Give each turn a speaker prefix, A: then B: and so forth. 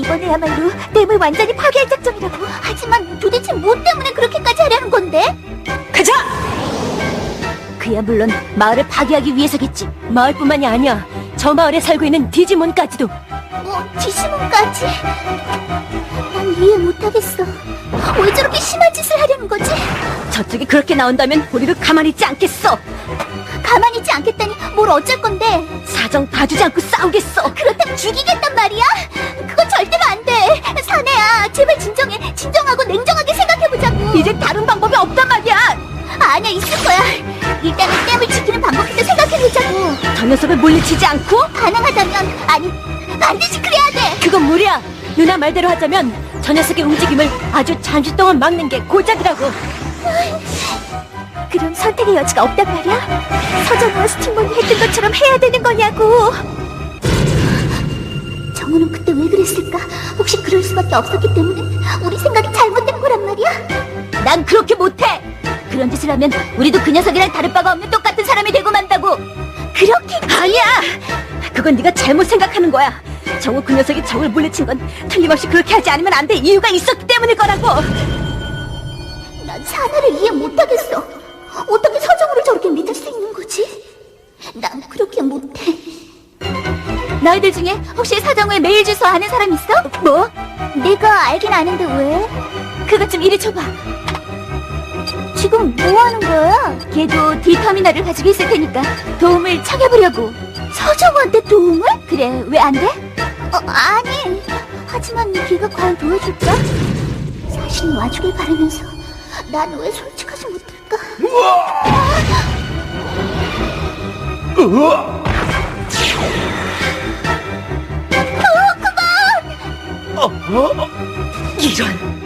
A: 이번에야말로 댐을 완전히 파괴할 작정이라고. 하지만 도대체 뭐 때문에 그렇게까지 하려는 건데?
B: 가자! 그야 물론 마을을 파괴하기 위해서겠지. 마을뿐만이 아니야. 저 마을에 살고 있는 디지몬까지도.
A: 뭐, 디지몬까지? 난 이해 못하겠어. 왜 저렇게 심한 짓을 하려는 거지?
B: 저쪽이 그렇게 나온다면 우리도 가만히 있지 않겠어.
A: 가만히 있지 않겠다니 뭘 어쩔 건데?
B: 사정 봐주지 않고 싸우겠어.
A: 그렇다면 죽이겠단 말이야? 그건 절대로 안 돼. 사내야, 제발 진정해. 진정하고 냉정하게 생각해보자고.
B: 이제 다른 방법이 없단 말이야.
A: 아니야, 있을 거야. 일단은 댐을 지키는 방법부터 생각해보자고.
B: 저 녀석을 물리치지 않고?
A: 가능하다면, 아니, 반드시 그래야 돼.
B: 그건 무리야. 누나 말대로 하자면 저 녀석의 움직임을 아주 잠시 동안 막는 게 고작이라고.
A: 그럼 선택의 여지가 없단 말이야? 서정우와 스팅몬이 했던 것처럼 해야 되는 거냐고. 정우는 그때 왜 그랬을까? 혹시 그럴 수밖에 없었기 때문에 우리 생각이 잘못된 거란 말이야?
B: 난 그렇게 못해. 그런 짓을 하면 우리도 그 녀석이랑 다를 바가 없는 똑같은 사람이 되고 만다고.
A: 그렇게
B: 아니야. 그건 네가 잘못 생각하는 거야. 정우 그 녀석이 정을 물리친 건 틀림없이 그렇게 하지 않으면 안 될 이유가 있었기 때문일 거라고.
A: 난 사나를 이해 못하겠어. 어떻게 서정우를 저렇게 믿을 수 있는 거지? 난 그렇게 못해. 너희들 중에 혹시 서정우의 메일 주소 아는 사람 있어?
B: 뭐?
A: 내가 알긴 아는데 왜?
B: 그것 좀 이리 줘봐.
A: 지금 뭐 하는 거야?
B: 걔도 D터미널을 가지고 있을 테니까 도움을 청해보려고.
A: 서정우한테 도움을?
B: 그래, 왜 안 돼?
A: 아니. 하지만 걔가 과연 도와줄까? 사실 와주길 바라면서 난 왜 솔직하지 못할까? 그만!
B: 이런.